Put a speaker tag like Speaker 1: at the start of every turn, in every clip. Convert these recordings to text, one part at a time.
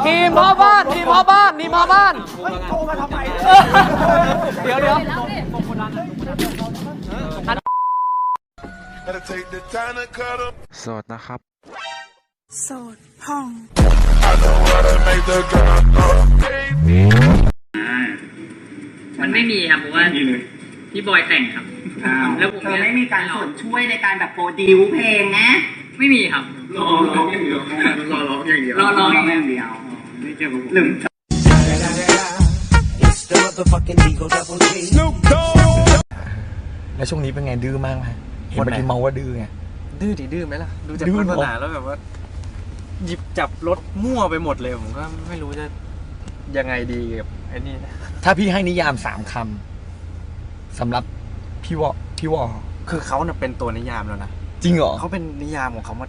Speaker 1: ทีมพ่อบ้านทีมพ่อบ้านทีมพ่อบ้าน
Speaker 2: โทรมาทำไม
Speaker 1: เดี๋ยว
Speaker 3: โสดนะครับ
Speaker 4: โสดพ่อง
Speaker 5: มันไม่มีครับเพราะว่าพี่บอยแต่งครับแล้วผม
Speaker 2: เธอไม่มีการส่วนช่วยในการแบบโปรดิวเพลงนะ
Speaker 5: ไม่มีครับรอร้องอย่างเดียวรอร้องอย่างเดียวไม่เกี่ยวกับผมลืม
Speaker 1: แล้วช่วงนี้เป็นไงดื้อมากไหมเห็นเมื่อกี้เมาว่าดื้อไง
Speaker 3: ดื้อดิดื้อไหมล่ะ ดูจาก
Speaker 1: ดื้อ
Speaker 3: วาสนาแล้วแบบว่า หยิบจับรถมั่วไปหมดเลยผมก็ไม่รู้จะยังไงดีกับไอ้นี่นะ
Speaker 1: ถ้าพี่ให้นิยาม3 คำสำหรับพี่วอ
Speaker 3: คือเขาน่ะเป็นตัวนิยามแล้วนะ
Speaker 1: จริงเหรอ
Speaker 3: เขาเป็นนิยามของเขามาว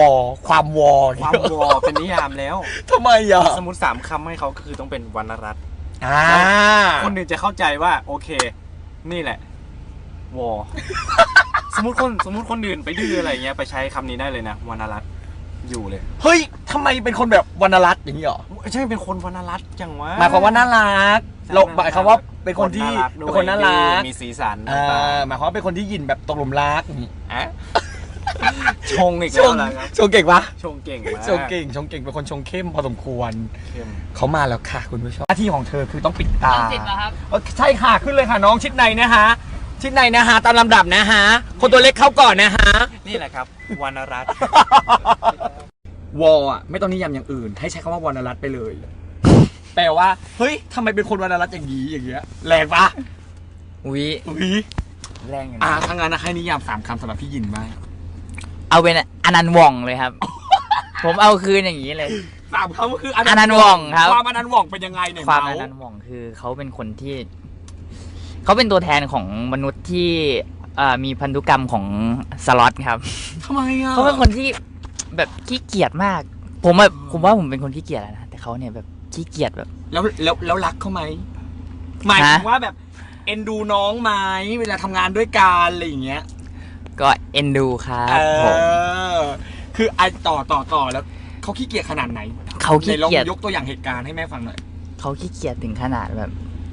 Speaker 1: อความวอ
Speaker 3: ความวอเป็นนิยามแล้ว
Speaker 1: ทำไมอ่ะ
Speaker 3: สมมติ3 คำให้เขาก็คือต้องเป็นวรรณรัตน์
Speaker 1: อ่า
Speaker 3: คนอื่นจะเข้าใจว่าโอเค นี่แหละวอ สมมติคนอื่นไปดื้ออะไรเงี้ยไปใช้คำนี้ได้เลยนะวรรณรัตน์อยู่เลย
Speaker 1: เฮ้ยทำไมเป็นคนแบบวรรณรัตน์อย่างนี้เหรอ
Speaker 3: ใช่เป็นคนวรรณรัตน์จังวะ
Speaker 1: หมายความว่าน่ารักเราหมายความว่าเป็นคนที่เป็นคนน่ารัก
Speaker 3: มีสีสัน
Speaker 1: หมายความว่าเป็นคนที่ยินแบบตกหลุมรักอย่างนี้อ่ะ
Speaker 3: ชงอีก
Speaker 1: ช
Speaker 3: แล้ว
Speaker 1: ง
Speaker 3: นะครับ
Speaker 1: ชงเก่งปะ
Speaker 3: ชงเก่งมาก
Speaker 1: ชงเก่งเป็นคนชงเข้มพอสมควร
Speaker 3: เข้ม
Speaker 1: เขามาแล้วค่ะคุณผู้ชมหน้าที่ของเธอคือต้องปิดตา
Speaker 5: ติดเหรอครับ
Speaker 1: ใช่ค่ะขึ้นเลยค่ะน้องชิดในนะฮะชิดในนะฮะตามลำดับนะฮะคนตัวเล็กเข้าก่อนนะฮะ
Speaker 3: นี่แหละครับวรรณรัตน์
Speaker 1: วออ่ะไม่ต้องนิยามอย่างอื่น ให้ใช้คำว่าวรรณรัตน์ไปเลยแปลว่าเฮ้ยทำไมเป็นคนวรรณรัตน์อย่างนี้อย่างเงี้ยแรงปะ
Speaker 5: วิ
Speaker 1: อุ๊ย
Speaker 5: แรงอยู่นะ
Speaker 1: ทางงานนะให้นิยาม3 คำสำหรับพี่ยินไหม
Speaker 5: เอาเป็นอนันต์ว่องเลยครับ ผมเอาคืนอย่างนี้เลย
Speaker 1: 3 คำก็คือ
Speaker 5: อนันต์ว่องครับ
Speaker 1: ความอนันต์ว่องเป็นยังไงเนี่ย
Speaker 5: ความอ
Speaker 1: เมา
Speaker 5: นันต์ว่องคือเขาเป็นคนที่เขาเป็นตัวแทนของมนุษย์ที่มีพันธุกรรมของสล็อตครับ
Speaker 1: ทำไมอ่ะ
Speaker 5: เขาเป็นคนที่แบบขี้เกียจมาก ผมว่าผมเป็นคนขี้เกียจนะแต่เขาเนี่ยแบบขี้เกียจแบบ
Speaker 1: แล้วรักเขาไหมหมายถึงว่าแบบเอ็นดูน้องไหมเวลาทำงานด้วยกันอะไรอย่างเงี้ย
Speaker 5: ก็เอ็นดูครับผม
Speaker 1: คือไอต่อแล้วเขาขี้เกียจขนาดไหน
Speaker 5: เขาขี้
Speaker 1: ไหนลอง
Speaker 5: เกียจ
Speaker 1: ยกตัวอย่างเหตุการณ์ให้แม่ฟังหน่อย
Speaker 5: เขาขี้เกียจถึงขนาดแบบ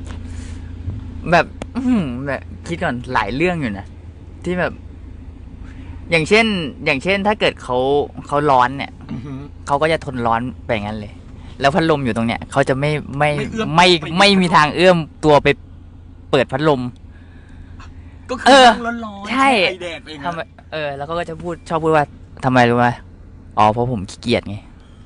Speaker 5: แบบคิดก่อนหลายเรื่องอยู่นะที่แบบ อย่างเช่นถ้าเกิดเขาร้อนเนี่ยเขาก็จะทนร้อนไปงั้นเลย แล้วพัดลมอยู่ตรงเนี้ยเขาจะไม่มีทางเอื้อมตัวไปเปิดพัดลม
Speaker 1: ก็คือนั่งร้อนๆ
Speaker 5: ใช่
Speaker 1: ไอแดดเอง
Speaker 5: ทำไมแล้วเขาก็จะชอบพูดว่าทำไมรู้ไหมอ๋อเพราะผมขี้เกียจไง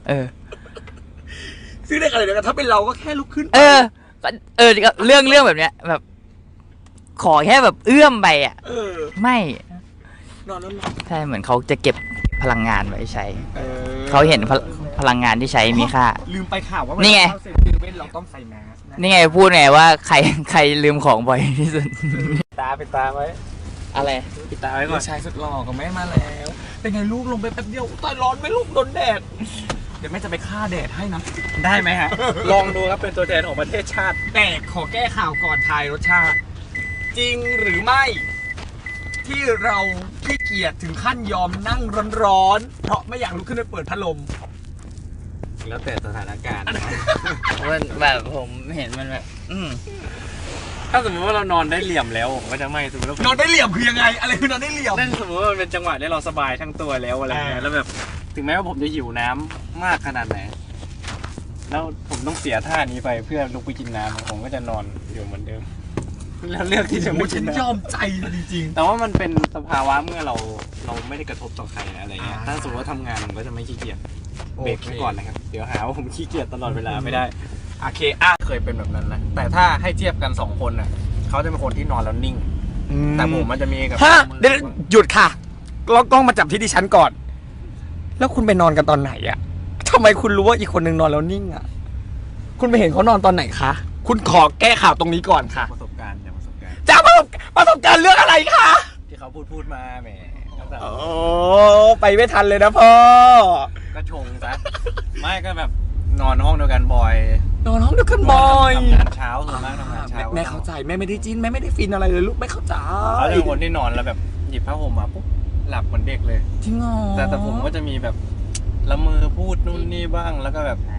Speaker 1: ซึ่งได้อะไรเดี๋ยวกันถ้าเป็นเราก็แค่ลุกขึ้น
Speaker 5: ก็เรื่องแบบเนี้ยแบบ ขอแค่แบบเอื้อมไปอ่ะไม่
Speaker 1: นอนร้อน
Speaker 5: ใช่เหมือนเขาจะเก็บพลังงานไว้ใช้
Speaker 1: ๆ
Speaker 5: เขาเห็นพลังงานที่ใช้มีค่า
Speaker 1: ลืมไปข่าวว่า
Speaker 5: นี่ไง
Speaker 1: เวลาเข้าเซเว่นเราต้องใส่แมสนะ
Speaker 5: นี่ไงพูดไงว่าใครลืมของบ่อยที่สุด
Speaker 3: ปิดตาไว้
Speaker 5: อะไร
Speaker 3: ปิดตาไว้ก่
Speaker 1: ลู
Speaker 3: อน
Speaker 1: กชายสุดหล่อของแม่มาแล้ว เป็นไงลูกลงไปแป๊บเดียวตายร้อนไหมลูกโดนแดด เดี๋ยวแม่จะไปฆ่าแดดให้นะ
Speaker 3: ได้ไหมฮะ ลองดูครับเป็นตัวแทนของประเทศชาติ
Speaker 1: แต่ขอแก้ข่าวก่อนทายรสชาติ จริงหรือไม่ ที่เราขี้เกียจถึงขั้นยอมนั่งร้อนๆเพราะไม่อยากลุกขึ้นไปเปิดพัดลม
Speaker 3: แล้วแต่สถานการณ์
Speaker 5: มันแบบผมเห็นมันแบบ
Speaker 3: ถ้าสมมติว่าเรานอนได้เหลี่ยมแล้วผมก็จะไม่สมมติว่าน
Speaker 1: อนได้เหลี่ยมคือยังไง อะไรคือนอนได้เหลี่ยม
Speaker 3: นั่นสมมติว่ามันเป็นจังหวะที่เราสบายทั้งตัวแล้วอะไรเงี้ยแล้วแบบถึงแม้ว่าผมจะหิวน้ำมากขนาดไหนแล้วผมต้องเสียท่านี้ไปเพื่อลุกไปกินน้ำผมก็จะนอนอยู่เหมือนเดิมแล้วเลือกที่จะไม่
Speaker 1: ฉั
Speaker 3: กิน
Speaker 1: น
Speaker 3: น้ำ
Speaker 1: ยอมใจจริง
Speaker 3: แต่ว่ามันเป็นสภาวะเมื่อเราไม่ได้กระทบต่อใครอะไรเงี้ย
Speaker 1: อ่า
Speaker 3: ถ้าสมมติว่าทำงานผมก็จะไม่ขี้เกียจ
Speaker 1: โอเค
Speaker 3: เบรกไว้ก่อนนะครับเดี๋ยวหาว่าผมขี้เกียจตลอดเวลาไม่ได้
Speaker 1: ๆโอเค
Speaker 3: เคยเป็นแบบนั้นนะแต่ถ้าให้เทียบกัน2 คนน่ะเขาจะเป็นคนที่นอนแล้วนิ่ง แต่ผมมันจะมีกับ
Speaker 1: ฮะเดี๋ยวหยุดค่ะกล้องมาจับที่ดิฉันก่อน แล้วคุณไปนอนกันตอนไหนอะทำไมคุณรู้ว่าอีกคนนึงนอนแล้วนิ่งอะคุณไปเห็นเขานอนตอนไหนคะคุณขอแก้ข่าวตรงนี้ก่อนค่ะ
Speaker 3: ประสบการณ์จากประสบการณ์
Speaker 1: จะประสบการณ์เรื่องอะไรคะ
Speaker 3: ที่เขาพูดมาแหม
Speaker 1: โอ้ไปไม่ทันเลยนะพ่อ
Speaker 3: ก็ชงซะไม่ก็แบบนอนห้องเดียวกันบ่อย
Speaker 1: นอนห้องเดียวกันบ่อย
Speaker 3: ทำงานเช้าส่วนมากทำงานเช้า
Speaker 1: แม่เข้าใจแม่ไม่ได้จิ้นแม่ไม่ได้ฟินอะไรเลยลูกไม่เข้าใจ
Speaker 3: เขาจะเป็นคนที่นอนแล้วแบบหยิบผ้าห่มมาปุ๊บหลับเหมือนเด็กเลย
Speaker 1: จริงเหรอ
Speaker 3: แต่ผมก็จะมีแบบละเมอพูดนู่นนี่บ้างแล้วก็แบบ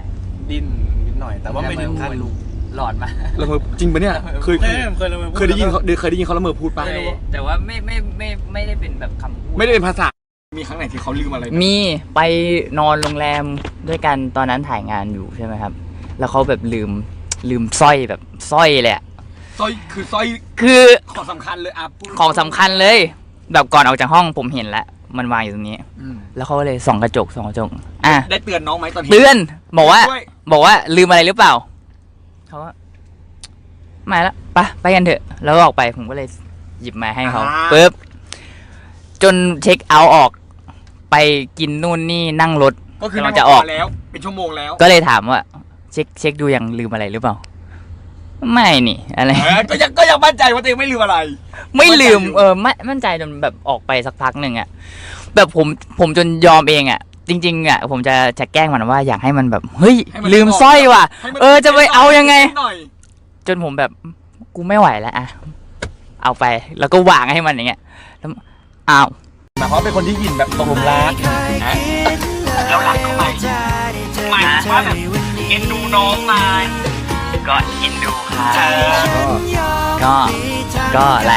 Speaker 3: ดิ้นนิดหน่อย แต่ว่าไม่ถึงขั้นลุก
Speaker 5: หลอดมา
Speaker 1: ละเมอจริงปะเนี่ยเคย
Speaker 3: เคยละเมอพู
Speaker 1: เคยได้ยินเขาละเมอพูดปะ
Speaker 5: แต่ว่าไม่ได้เป็นแบบคำพูด
Speaker 1: ไม่ได้เป็นภาษามีครั้งไหนที่เขาลืมอะไรไหม
Speaker 5: มีไปนอนโรงแรมด้วยกันตอนนั้นถ่ายงานอยู่ใช่ไหมครับ แล้วเขาแบบลืมสร้อยแบบสร้อยเลยอะ
Speaker 1: สร้อยคือสร้อย
Speaker 5: คือ
Speaker 1: ของสำคัญเลยอ่ะพูด
Speaker 5: ของสำคัญเลย แบบก่อนออกจากห้องผมเห็นแล้วมันวางอยู่ตรงนี้
Speaker 1: อืม
Speaker 5: แล้วเขาก็เลยส่องกระจกอ่ะ
Speaker 1: ได้เตือนน้องไหมตอนเห็น
Speaker 5: เตือนบอกว่า
Speaker 1: ด้วย
Speaker 5: บอกว่าลืมอะไรหรือเปล่าเขาว่าไม่ละไปกันเถอะ แล้วก็ออกไปผมก็เลยหยิบมาให้เขาปุ๊บจนเช็คเอาท์ออกไปกินนู่นนี่นั่งรถ
Speaker 1: ก็คือก
Speaker 5: ำลังจะออก
Speaker 1: แล้วเป็นชั่วโมงแล้ว
Speaker 5: ก็เลยถามว่า เช็คดูยังลืมอะไรหรือเปล่า ไม่นี่อะไร
Speaker 1: ก็ยังมั่นใจว่าตัวเองไม่ลืมอะไร
Speaker 5: ไม่ลืมไม่มั่นใจจนแบบออกไปสักพักหนึ่งอะแบบผมจนยอมเองอะจริงๆอะผมจะแกล้งมันว่าอยากให้มันแบบเฮ้ย
Speaker 1: ให้มัน
Speaker 5: ลืมสร้อยว่ะ
Speaker 1: ให้มัน
Speaker 5: จะไปเอายังไง
Speaker 1: หน่อย
Speaker 5: จนผมแบบกูไม่ไหวแล้วอะเอาไปแล้วก็วางให้มันอย่างเงี้ยแล้วอ้าว
Speaker 1: หมายความว่าเป็นคนที่ยินแบบตกหลุมรักนะแล้วหลังเข้าไปหมายความว่าแบบเอ็นดูน้องมา
Speaker 5: ก็อินดูค่ะก็อะไร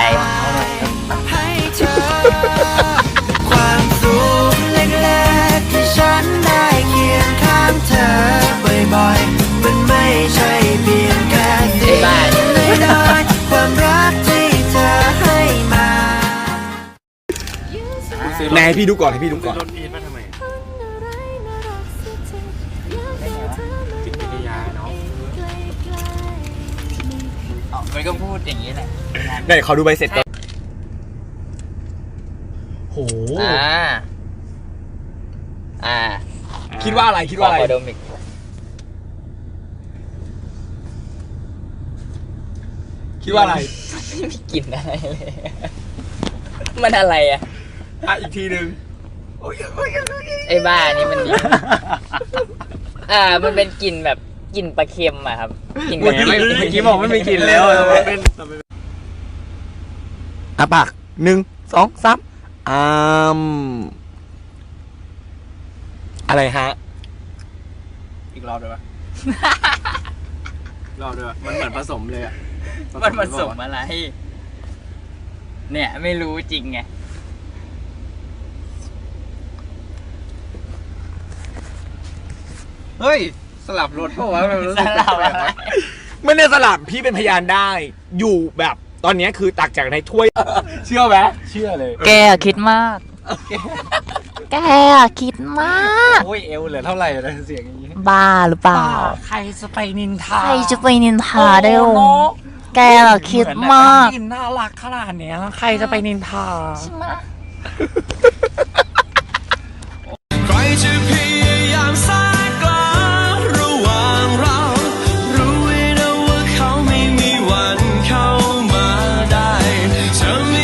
Speaker 6: ความสุขเล็กๆที่ฉันได้เคียงข้างเธอบ่อยๆมันไม่ใช่เพียงแค่สิ่งน้อยๆความรักที่เธอให้มา
Speaker 1: แม่ให้พี่ดูก่อนให้พี่ดูก่อน
Speaker 3: รถพีทมาทำไมจิตวิทยาเนาะ
Speaker 5: มันก็พูดอย่างนี้แหละ
Speaker 1: ไหนขอดูใบเสร็จก่อนโห คิดว่าอะไรคิดว่าอะไร
Speaker 5: ขอดมอีก
Speaker 1: คิดว่าอะไร
Speaker 5: ไม่มีกลิ่นอะไรเลย มันอะไรอ่ะ
Speaker 1: อ่ะอีกทีหนึ่ง
Speaker 5: ไอ้บ้านี่มันดี มันเป็นกลิ่นแบบกลิ่นปลาเค็มอะครับกลิ่น
Speaker 3: เมื่อกี้บอกไม่มีกลิ่นแล้วเป็น
Speaker 1: อ่ะปาก1 2 3อะไรฮะ
Speaker 3: อีกรอบด้วยปะรอบด้วยปะมันเหมือนผสมเลยอะ
Speaker 5: มันผสมอะไร เนี่ยไม่รู้จริงไง
Speaker 3: เฮ้ยสลับรถเพราะว่ามันรู้สึก
Speaker 5: สลับ
Speaker 3: แปลกๆ
Speaker 5: อะไร
Speaker 3: วะ
Speaker 1: ไม่ได้สลับพี่เป็นพยานได้ อยู่แบบตอนนี้คือตักจากในถ้วย เชื่อไหม
Speaker 3: เชื่อเลย
Speaker 5: แกคิดมาก แกคิดมาก
Speaker 3: โอ้ยเอวเหลือเท่าไหร่นะเสียงอย่างนี้
Speaker 5: บ้าหรือเปล่า
Speaker 1: ใครจะไปนินทา
Speaker 5: ใครจะไปนินทาได้
Speaker 1: โอ้
Speaker 5: ว
Speaker 1: โห
Speaker 5: แกคิดมาก
Speaker 1: กินน่ารักขนาดเนี้ยใครจะไปนินทา
Speaker 5: ใช่ไหม
Speaker 6: ใครจะพยายามสายกลางระหว่างเรา รู้ไว้นะว่าเขาไม่มีวันเข้ามาได้เธอมี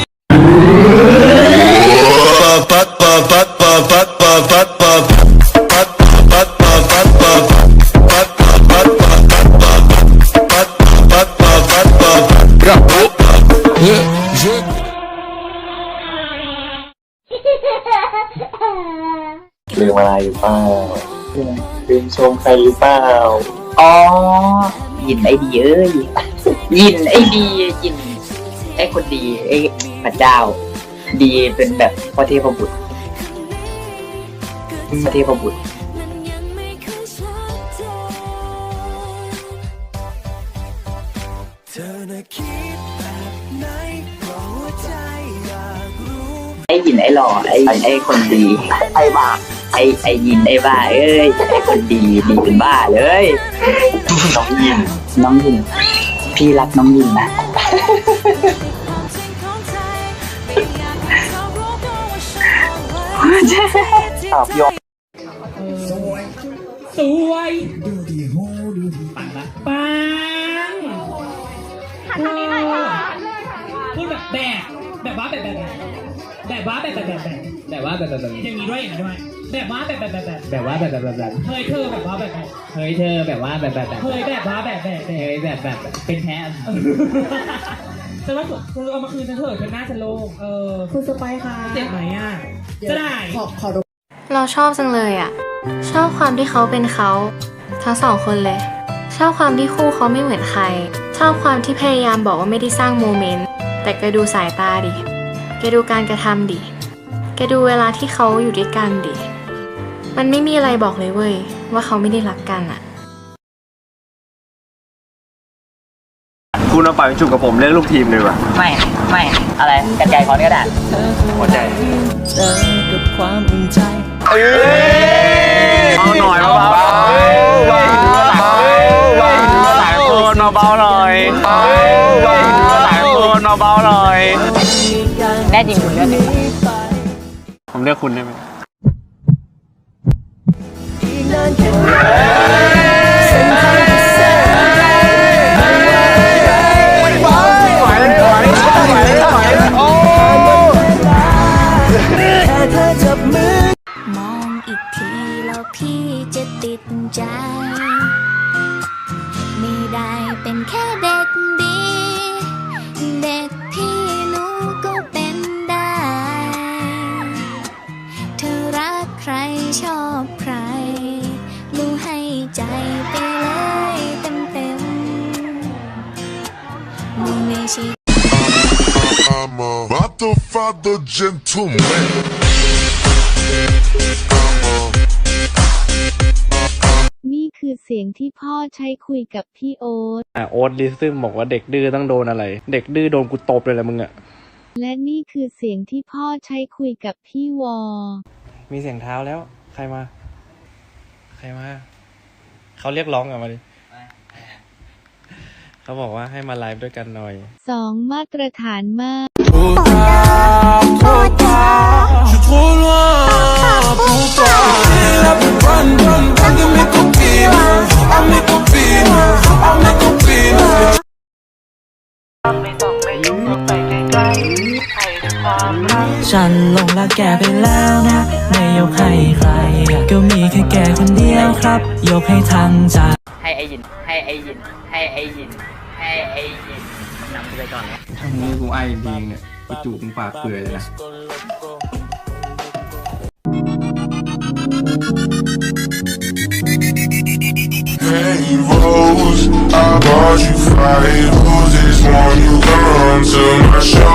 Speaker 7: ลืมอะไรหรือเปล่าลืมชมใครหรือเปล่า
Speaker 5: อ๋อ ยินไอ้ดีเอ้ย ยินไอ้ดียินไอ้คนดีไอ้พระเจ้า ดีเป็นแบบพระเทพบุตรพระเทพบุตร
Speaker 6: เธอน่ะคิดแบบไหนเพราะหัวใจอยากรู้
Speaker 5: ไอ้ยินไอ้หล่อไอ้คนดี ไอ้บ้าไอ้ยินไอ้บ้าเอ้ยไอ้คนดีดีเป็นบ้าเลยน้องยินพี่รักน้องยินนะ
Speaker 7: ตอบยก
Speaker 2: สวยดูดีโหดูดีปังละปังหันทางนี้หน่อยค่ะพูดแบบว่าแบบอย่างนี้ด้วยอย่างนี้ด้วยแบบว่าแบบว่าแบบเฮ้ยเธอแบบว่าแบบเฮ้ยเธอแบบว่าแบบเฮ้ยแบบว่าแบบเป็นแพ้ฉันว่าเธอเอามาคืนฉันเถอะฉันน่าจะโล่งคุณสไปค่ะเจ็บไหมอ่ะจะได้
Speaker 8: เราชอบจังเลยอ่ะ ชอบความที่เขาเป็นเขาทั้งสองคนเลย ชอบความที่คู่เขาไม่เหมือนใคร ชอบความที่พยายามบอกว่าไม่ได้สร้างโมเมนต์ แต่แกดูสายตาดิ แกดูการกระทำดิ แกดูเวลาที่เขาอยู่ด้วยกันดิ มันไม่มีอะไรบอกเลยเว้ยว่าเขาไม่ได้รักกันอะ
Speaker 3: คุณเอาปากไปจุกกับผมเรื่องลูกทีมเลยว่ะ
Speaker 5: ไม่อะไรกันไกลคอนก็ได้
Speaker 3: หัวใจ
Speaker 6: เจอกับความอุ่นใจ
Speaker 3: เอาหน่อยเบาๆหลายคนเบาๆหน่อยหลายคนเบาๆหน่อย
Speaker 5: แน่จริงคุณเลือกเลย
Speaker 3: ผมเลือกคุณได้ไหม
Speaker 9: มองอีกทีแล้วพี่จะติดใจ ไม่ได้เป็นแค่เด็กดี เด็กที่หนูก็เป็นได้ เธอรักใครชอบใครหนูให้ใจไปเลยเต็มๆหนูไม่ใช่
Speaker 10: I'm a Godfather gentleman.
Speaker 11: นี่คือเสียงที่พ่อใช้คุยกับพี่โอ๊ต
Speaker 3: โอ๊ตลิซึมบอกว่าเด็กดื้อต้องโดนอะไร เด็กดื้อโดนกูตบเลยแหละมึงอะ
Speaker 11: และนี่คือเสียงที่พ่อใช้คุยกับพี่วอ
Speaker 3: มีเสียงเท้าแล้ว ใครมา เขาเรียกร้องอะมาดิเขาบอกว่าให้มาไลฟ์ด้วยกันหน่อย
Speaker 11: 2 มาตรฐานมาก
Speaker 6: Je suis trop loin pour toi. La plus bonne de mes copines. À mes copines, à mes copines. ฉันหลงรักแกไปแล้วนะ ไม่ยกให้ใคร ก็มีแค่แกคนเดียวครับ ยกให้ทั้งใจ
Speaker 5: ให้ไอยินนำไปก่อนนะ
Speaker 1: ถ้ามึงกูไอ้ดีเนี่ยกูจูบมึงปากเปื่อยเลยนะ
Speaker 10: Hey Rose, I bought you 5 roses. Want you come to my show?